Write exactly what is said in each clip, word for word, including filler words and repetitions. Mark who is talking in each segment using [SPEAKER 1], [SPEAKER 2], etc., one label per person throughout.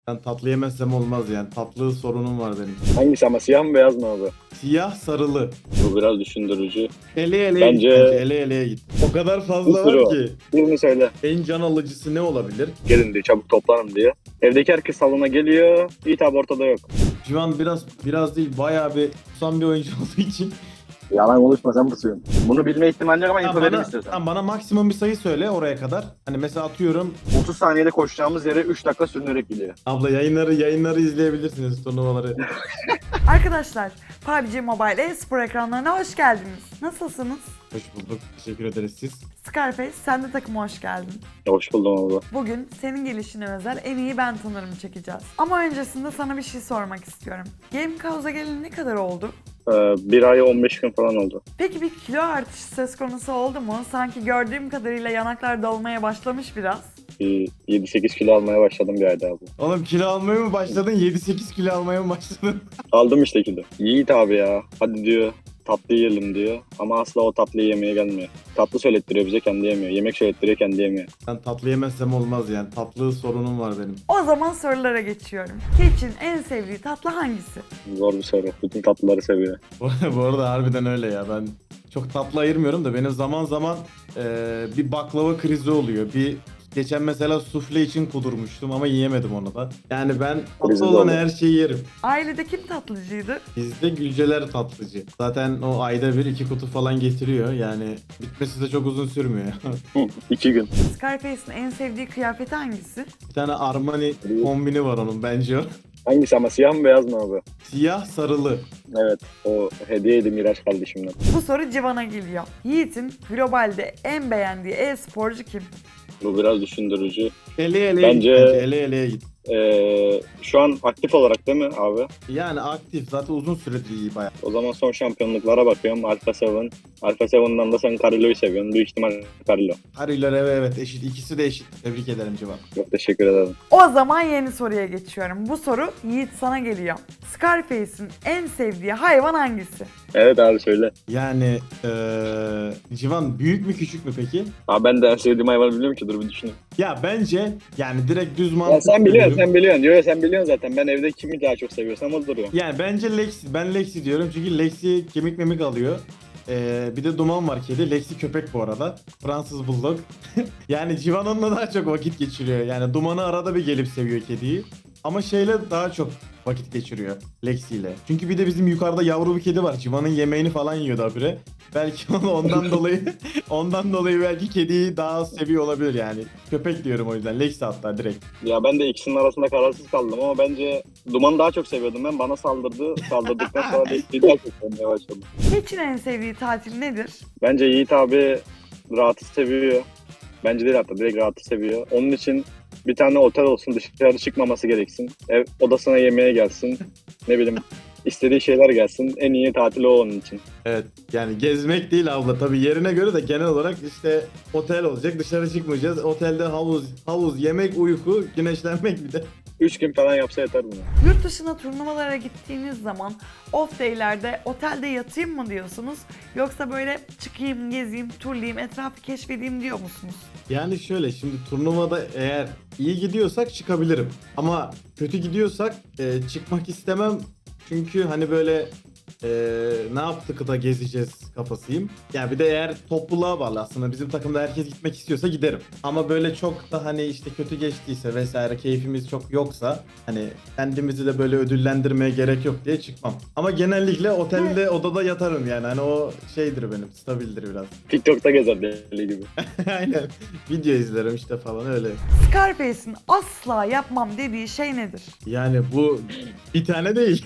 [SPEAKER 1] Ben tatlı yemezsem olmaz yani. Tatlı sorunum var benim.
[SPEAKER 2] Hangisi ama siyah mı beyaz mı abi?
[SPEAKER 1] Siyah sarılı.
[SPEAKER 2] Bu biraz düşündürücü.
[SPEAKER 1] Ele eleye git
[SPEAKER 2] Bence
[SPEAKER 1] bence. Ele eleye git. O kadar
[SPEAKER 2] bir
[SPEAKER 1] fazla
[SPEAKER 2] sürü
[SPEAKER 1] var
[SPEAKER 2] var.
[SPEAKER 1] ki.
[SPEAKER 2] Birini söyle.
[SPEAKER 1] En can alıcısı ne olabilir?
[SPEAKER 2] Gelin diyor, çabuk toplanın diyor. Evdeki herkes salona geliyor. Yiğit abi ortada yok.
[SPEAKER 1] Şu an biraz biraz değil bayağı bir tutan bir oyuncu olduğu için.
[SPEAKER 2] Yalan konuşma, sen pusuyorsun. Bunu bilme ihtimali yok ama
[SPEAKER 1] Ha,
[SPEAKER 2] info verim
[SPEAKER 1] bana,
[SPEAKER 2] istiyorsan.
[SPEAKER 1] ha, bana maksimum bir sayı söyle oraya kadar. Hani mesela atıyorum.
[SPEAKER 2] otuz saniyede koşacağımız yere üç dakika sürünerek gidiyor.
[SPEAKER 1] Abla yayınları yayınları izleyebilirsiniz, turnuvaları.
[SPEAKER 3] Arkadaşlar, P U B G Mobile e-spor ekranlarına hoş geldiniz. Nasılsınız?
[SPEAKER 1] Hoş bulduk. Teşekkür ederiz siz.
[SPEAKER 3] Scarface, sen de takıma hoş geldin.
[SPEAKER 2] Hoş buldum abi.
[SPEAKER 3] Bugün senin gelişine özel en iyi ben tanırım çekeceğiz. Ama öncesinde sana bir şey sormak istiyorum. Game Cause'a geleli ne kadar oldu?
[SPEAKER 2] Ee, bir ay on beş gün falan oldu.
[SPEAKER 3] Peki bir kilo artışı söz konusu oldu mu? Sanki gördüğüm kadarıyla yanaklar dolmaya başlamış biraz.
[SPEAKER 2] Bir yedi sekiz kilo almaya başladım bir ayda abi.
[SPEAKER 1] Oğlum kilo almaya mı başladın? yedi sekiz kilo almaya mı başladın?
[SPEAKER 2] Aldım işte kilo. Yiğit abi ya. Hadi diyor. Tatlı yiyelim diyor. Ama asla o tatlıyı yemeye gelmiyor. Tatlı söylettiriyor bize, kendi yemiyor. Yemek söylettiriyor, kendi yemiyor.
[SPEAKER 1] Ben tatlı yemezsem olmaz yani. Tatlı sorunum var benim.
[SPEAKER 3] O zaman sorulara geçiyorum. Keçin en sevdiği tatlı hangisi?
[SPEAKER 2] Zor bir soru. Bütün tatlıları seviyor.
[SPEAKER 1] Bu arada harbiden öyle ya. Ben çok tatlı ayırmıyorum da benim zaman zaman eee, bir baklava krizi oluyor. Bir geçen mesela sufle için kudurmuştum ama yiyemedim onu da. Yani ben
[SPEAKER 2] Krizi
[SPEAKER 1] tatlı
[SPEAKER 2] de
[SPEAKER 1] olan
[SPEAKER 2] olur.
[SPEAKER 1] her şeyi yerim.
[SPEAKER 3] Ailede kim tatlıcıydı?
[SPEAKER 1] Bizde Gülceler tatlıcı. Zaten o ayda bir iki kutu falan getiriyor. Yani bitmesi de çok uzun sürmüyor.
[SPEAKER 2] Hı, iki gün.
[SPEAKER 3] Scarface'in en sevdiği kıyafeti hangisi?
[SPEAKER 1] Bir tane Armani kombini var onun bence o.
[SPEAKER 2] Hangisi ama siyah mı beyaz mı abi?
[SPEAKER 1] Siyah sarılı.
[SPEAKER 2] Evet. O hediyeydi Miraç kardeşimden.
[SPEAKER 3] Bu soru Civan'a geliyor. Yiğit'in globalde en beğendiği e-sporcu kim?
[SPEAKER 2] Bu biraz düşündürücü.
[SPEAKER 1] Ele eleye
[SPEAKER 2] Bence-
[SPEAKER 1] git bence. Ele eleye git.
[SPEAKER 2] Ee, şu an aktif olarak değil mi abi?
[SPEAKER 1] Yani aktif. Zaten uzun süredir iyi bayağı.
[SPEAKER 2] O zaman son şampiyonluklara bakıyorum. Alpha seven. Alpha seven'dan da sen Carillo'yu seviyorsun. Büyük ihtimal Carillo.
[SPEAKER 1] Hariler evet evet eşit. İkisi de eşit. Tebrik ederim Civan.
[SPEAKER 2] Çok teşekkür ederim.
[SPEAKER 3] O zaman yeni soruya geçiyorum. Bu soru Yiğit sana geliyor. Scarface'in en sevdiği hayvan hangisi?
[SPEAKER 2] Evet abi söyle.
[SPEAKER 1] Yani eee Civan büyük mü küçük mü peki?
[SPEAKER 2] Abi ben de en sevdiğim hayvanı biliyorum ki, dur bir düşüneyim.
[SPEAKER 1] Ya bence yani direkt düz
[SPEAKER 2] Ya
[SPEAKER 1] mantık
[SPEAKER 2] sen biliyorsun,
[SPEAKER 1] söylüyorum.
[SPEAKER 2] sen biliyorsun. Yo, yo, sen biliyorsun zaten. Ben evde kimi daha çok seviyorsam o duruyor.
[SPEAKER 1] Yani bence Lexi. Ben Lexi diyorum çünkü Lexi kemik memik alıyor. Ee, bir de Duman var kedi. Lexi köpek bu arada. Fransız Bulldog. Yani Civan onunla daha çok vakit geçiriyor. Yani Duman'ı arada bir gelip seviyor kediyi. Ama şeyle daha çok vakit geçiriyor Lexi ile. Çünkü bir de bizim yukarıda yavru bir kedi var. Civan'ın yemeğini falan yiyordu habire. Belki onu ondan dolayı ondan dolayı belki kediyi daha az seviyor olabilir yani. Köpek diyorum o yüzden. Lexi hatta direkt.
[SPEAKER 2] Ya ben de ikisinin arasında kararsız kaldım ama bence Duman'ı daha çok seviyordum ben. Bana saldırdı. Saldırdıktan sonra Lexi'yi daha çok sevmeye başladım.
[SPEAKER 3] Keçin en sevdiği tatil nedir?
[SPEAKER 2] Bence Yiğit abi rahatı seviyor. Bence değil, hatta direkt rahatı seviyor. Onun için bir tane otel olsun, dışarı çıkmaması gereksin. Ev odasına yemeğe gelsin. Ne bileyim istediği şeyler gelsin. En iyi tatil o onun için.
[SPEAKER 1] Evet yani gezmek değil abla tabii yerine göre de genel olarak işte otel olacak, dışarı çıkmayacağız, otelde havuz havuz yemek, uyku, güneşlenmek bir de.
[SPEAKER 2] Üç gün falan yapsa yeter buna.
[SPEAKER 3] Yurt dışına turnuvalara gittiğiniz zaman off day'lerde otelde yatayım mı diyorsunuz? Yoksa böyle çıkayım, gezeyim, turlayayım, etrafı keşfedeyim diyor musunuz?
[SPEAKER 1] Yani şöyle şimdi turnuvada eğer iyi gidiyorsak çıkabilirim ama kötü gidiyorsak e, çıkmak istemem çünkü hani böyle e, ne yaptık da gezeceğiz kafasıyım. Yani bir de eğer topluluğa bağlı aslında bizim takımda herkes gitmek istiyorsa giderim. Ama böyle çok da hani işte kötü geçtiyse vesaire keyfimiz çok yoksa hani kendimizi de böyle ödüllendirmeye gerek yok diye çıkmam. Ama genellikle otelde odada yatarım yani hani o şeydir benim stabildir biraz.
[SPEAKER 2] TikTok'ta gezer deli gibi.
[SPEAKER 1] Aynen video izlerim işte falan öyle.
[SPEAKER 3] Scarface'in asla yapmam dediği şey nedir?
[SPEAKER 1] Yani bu bir tane değil.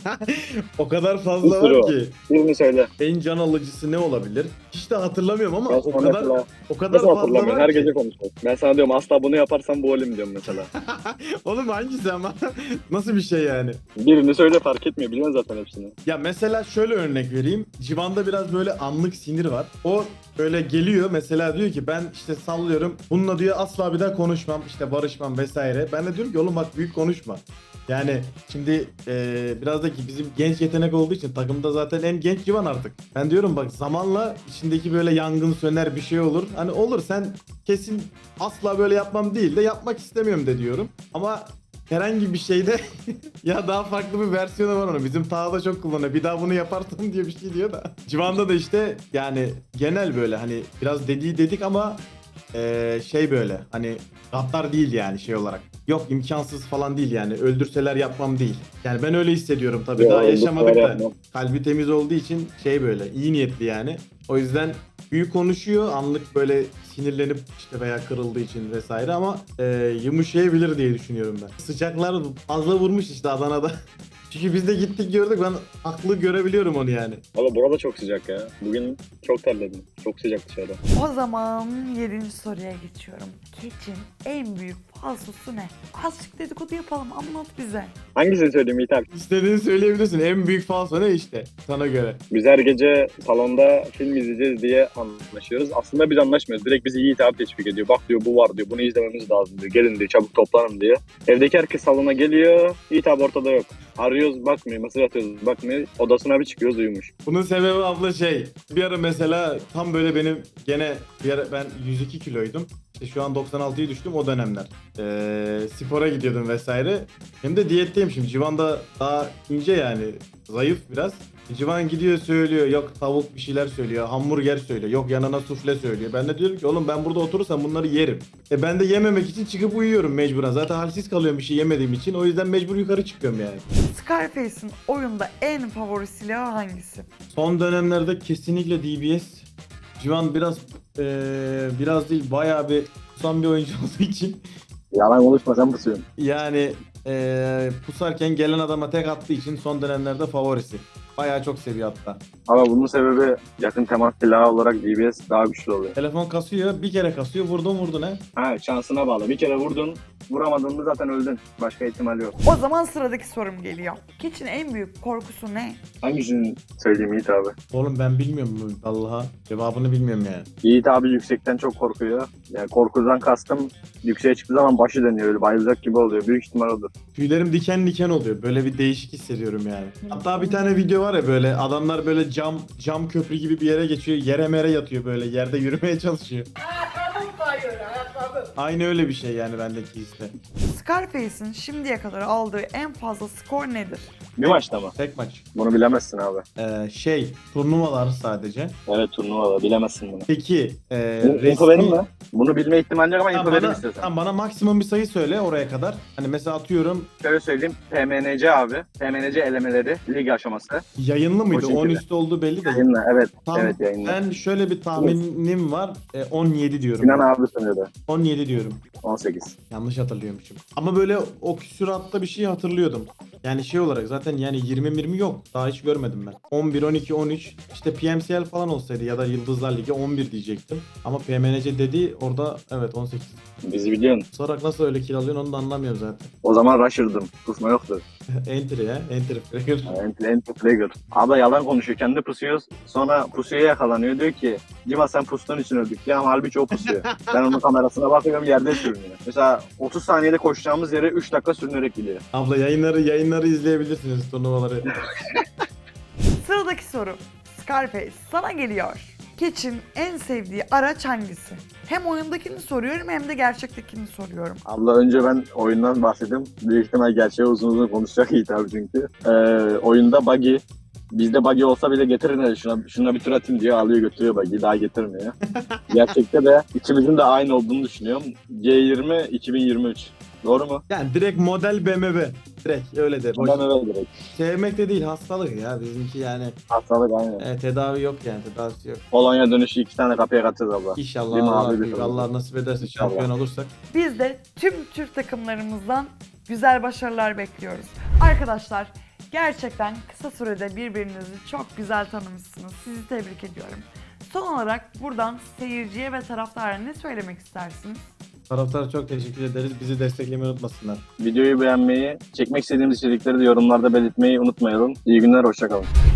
[SPEAKER 1] O kadar
[SPEAKER 2] Bir
[SPEAKER 1] fazla
[SPEAKER 2] sürü
[SPEAKER 1] var
[SPEAKER 2] var.
[SPEAKER 1] ki.
[SPEAKER 2] Birini söyle.
[SPEAKER 1] En can alıcısı ne olabilir? Hiç de hatırlamıyorum ama
[SPEAKER 2] Ben
[SPEAKER 1] o
[SPEAKER 2] sana
[SPEAKER 1] kadar
[SPEAKER 2] mesela
[SPEAKER 1] o kadar
[SPEAKER 2] nasıl
[SPEAKER 1] fazla
[SPEAKER 2] hatırlamıyorum?
[SPEAKER 1] var
[SPEAKER 2] Her
[SPEAKER 1] ki.
[SPEAKER 2] gece konuşuyoruz. Ben sana diyorum asla bunu yaparsam bu olayım diyorum mesela.
[SPEAKER 1] Oğlum hangisi ama? Nasıl bir şey yani?
[SPEAKER 2] Birini söyle, fark etmiyor. Biliyorsun zaten hepsini.
[SPEAKER 1] Ya mesela şöyle örnek vereyim. Civan'da biraz böyle anlık sinir var. O böyle geliyor mesela diyor ki ben işte sallıyorum. Bununla diyor asla bir daha konuşmam. işte barışmam vesaire. Ben de diyorum ki oğlum bak büyük konuşma. Yani şimdi eee, biraz da ki bizim genç yetenek olduğu için takımda zaten en genç Civan artık. Ben diyorum bak zamanla içindeki böyle yangın söner bir şey olur. Hani olur sen kesin asla böyle yapmam değil de yapmak istemiyorum de diyorum. Ama herhangi bir şeyde ya daha farklı bir versiyonu var onun. Bizim Taha'da çok kullanıyor. Bir daha bunu yaparsın diye bir şey diyor da. Civan'da da işte yani genel böyle hani biraz dediği dedik ama eee, şey böyle hani gaddar değil yani şey olarak. Yok imkansız falan değil yani. Öldürseler yapmam değil. Yani ben öyle hissediyorum tabii.
[SPEAKER 2] Ya,
[SPEAKER 1] Daha
[SPEAKER 2] öldürseler
[SPEAKER 1] yaşamadık da.
[SPEAKER 2] yapmam.
[SPEAKER 1] Kalbi temiz olduğu için şey böyle iyi niyetli yani. O yüzden büyük konuşuyor anlık böyle sinirlenip işte veya kırıldığı için vesaire ama e, yumuşayabilir diye düşünüyorum ben. Sıcaklar fazla vurmuş işte Adana'da. Çünkü biz de gittik gördük, ben haklı görebiliyorum onu yani.
[SPEAKER 2] Valla burada çok sıcak ya. Bugün çok terledim. Çok sıcak dışarıda.
[SPEAKER 3] O zaman yedinci soruya geçiyorum. Keçin en büyük falsosu ne? Azıcık dedikodu yapalım, anlat bize.
[SPEAKER 2] Hangisini söyleyeyim Yiğit abi?
[SPEAKER 1] İstediğini söyleyebilirsin. En büyük falso ne işte sana göre.
[SPEAKER 2] Biz her gece salonda film izleyeceğiz diye anlaşıyoruz. Aslında biz anlaşmıyoruz. Direkt bizi Yiğit abi teşvik ediyor. Bak diyor bu var diyor. Bunu izlememiz lazım diyor. Gelin diyor. Çabuk toplanın diyor. Evdeki herkes salona geliyor. Yiğit abi ortada yok. Arıyoruz bakmıyor. Mesaj atıyoruz bakmıyor. Odasına bir çıkıyoruz uyumuş.
[SPEAKER 1] Bunun sebebi abla şey. Bir ara mesela tam böyle benim gene bir ara ben yüz iki kiloydum. İşte şu an doksan altıya düştüm o dönemler. Ee, spora gidiyordum vesaire. Hem de diyetteyim şimdi. Civan da daha ince yani. Zayıf biraz. Civan gidiyor söylüyor. Yok tavuk bir şeyler söylüyor. Hamburger söylüyor. Yok yanına sufle söylüyor. Ben de diyorum ki oğlum ben burada oturursam bunları yerim. E ben de yememek için çıkıp uyuyorum mecburen. Zaten halsiz kalıyorum bir şey yemediğim için. O yüzden mecbur yukarı çıkıyorum yani.
[SPEAKER 3] Scarface'in oyunda en favori silahı hangisi?
[SPEAKER 1] Son dönemlerde kesinlikle D B S. Civan biraz eee, biraz değil bayağı bir kusan bir oyuncu olduğu için
[SPEAKER 2] Yalan konuşma sen pusuyorsun.
[SPEAKER 1] yani eee, pusarken gelen adama tek attığı için son dönemlerde favorisi. Bayağı çok seviyor hatta.
[SPEAKER 2] Ama bunun sebebi yakın temas silahı olarak D B S daha güçlü oluyor.
[SPEAKER 1] Telefon kasıyor, bir kere kasıyor, vurdun vurdun he.
[SPEAKER 2] Ha şansına bağlı. Bir kere vurdun, vuramadın mı zaten öldün. Başka ihtimal yok.
[SPEAKER 3] O zaman sıradaki sorum geliyor. Keçin en büyük korkusu ne?
[SPEAKER 2] Hangisini söyleyeyim Yiğit abi?
[SPEAKER 1] Oğlum ben bilmiyorum Allah'a. Cevabını bilmiyorum yani.
[SPEAKER 2] Yiğit abi yüksekten çok korkuyor. Yani korkudan kastım yükseğe çıktığı zaman başı dönüyor. Öyle bayılacak gibi oluyor. Büyük ihtimal odur.
[SPEAKER 1] Tüylerim diken diken oluyor. Böyle bir değişik hissediyorum yani. Hatta bir tane video var ya böyle adamlar böyle cam cam köprü gibi bir yere geçiyor. Yere mere yatıyor böyle. Yerde yürümeye çalışıyor. Aynı öyle bir şey yani bendeki hisse.
[SPEAKER 3] Scarface'in şimdiye kadar aldığı en fazla skor nedir?
[SPEAKER 2] Bir maçta mı?
[SPEAKER 1] Tek maç.
[SPEAKER 2] Bunu bilemezsin abi.
[SPEAKER 1] Ee, şey turnuvalar sadece.
[SPEAKER 2] Evet turnuvada bilemezsin bunu.
[SPEAKER 1] Peki e,
[SPEAKER 2] Bu, info benim mi? Bunu bilme ihtimali yok ama
[SPEAKER 1] Tamam,
[SPEAKER 2] info benim
[SPEAKER 1] bana,
[SPEAKER 2] istiyorsan.
[SPEAKER 1] tamam, bana maksimum bir sayı söyle oraya kadar. Hani mesela atıyorum
[SPEAKER 2] Şöyle söyleyeyim. P M N C abi. P M N C elemeleri. Lig aşaması.
[SPEAKER 1] yayınlı mıydı?
[SPEAKER 2] şekilde.
[SPEAKER 1] on üstü olduğu belli de.
[SPEAKER 2] Yayınla evet.
[SPEAKER 1] Tam,
[SPEAKER 2] Evet yayınla.
[SPEAKER 1] ben şöyle bir tahminim var. E, on yedi diyorum.
[SPEAKER 2] Sinan abi sunuyordu.
[SPEAKER 1] on yedi diyorum.
[SPEAKER 2] on sekiz.
[SPEAKER 1] Yanlış hatırlıyormuşum. Ama böyle o küsuratta bir şey hatırlıyordum. Yani şey olarak zaten yani yirmi yirmi yok. Daha hiç görmedim ben. on bir, on iki, on üç işte P M C L falan olsaydı ya da Yıldızlar Ligi on bir diyecektim. Ama P M N C dedi orada evet on sekiz.
[SPEAKER 2] Bizi biliyorsun.
[SPEAKER 1] Sorarak nasıl öyle kill alıyorsun onu da anlamıyorum zaten.
[SPEAKER 2] O zaman Rusher'dım. Kusma yoktu.
[SPEAKER 1] Enter ya. Enter. Fragger.
[SPEAKER 2] Enter, enter Flagger. Abla yalan konuşuyor. Kendi pusuyoruz. Sonra pusuya yakalanıyor. Diyor ki Cima sen pustuğun için öldük. Ya ama halbuki o pusuyor. Ben onun kamerasına bakıyorum yerde sürünüyor. Mesela otuz saniyede koşacağımız yere üç dakika sürünerek gidiyor.
[SPEAKER 1] Abla yayınları yayınları izleyebilirsiniz turnuvaları.
[SPEAKER 3] Sıradaki soru. Scarface sana geliyor. Keçin en sevdiği araç hangisi? Hem oyundakini soruyorum hem de gerçektekini soruyorum.
[SPEAKER 2] Abla önce ben oyundan bahsedeyim. Büyük ihtimal gerçeği uzun uzun konuşacak Yiğit abi çünkü. Ee, oyunda buggy. Bizde buggy olsa bile getirin hele şuna, şuna bir tur atayım diyor alıyor götürüyor buggy daha getirmiyor. Gerçekte de ikimizin de aynı olduğunu düşünüyorum. G yirmi iki bin yirmi üç. Doğru mu?
[SPEAKER 1] Yani direkt model B M W. Direkt öyle de. Boş.
[SPEAKER 2] Ben öyle direkt.
[SPEAKER 1] Sevmek de değil hastalık ya bizimki yani.
[SPEAKER 2] Hastalık aynen.
[SPEAKER 1] E, tedavi yok yani tedavisi yok.
[SPEAKER 2] Polonya dönüşü iki tane kapıya katacağız abla.
[SPEAKER 1] İnşallah
[SPEAKER 2] Değil mi
[SPEAKER 1] Allah,
[SPEAKER 2] abi?
[SPEAKER 1] büyük. Allah nasip ederse
[SPEAKER 2] İnşallah.
[SPEAKER 1] şampiyon olursak.
[SPEAKER 3] Biz de tüm Türk takımlarımızdan güzel başarılar bekliyoruz. Arkadaşlar gerçekten kısa sürede birbirinizi çok güzel tanımışsınız. Sizi tebrik ediyorum. Son olarak buradan seyirciye ve taraftara ne söylemek istersiniz?
[SPEAKER 1] Taraftara çok teşekkür ederiz. Bizi desteklemeyi unutmasınlar.
[SPEAKER 2] Videoyu beğenmeyi, çekmek istediğimiz içerikleri de yorumlarda belirtmeyi unutmayalım. İyi günler, hoşça kalın.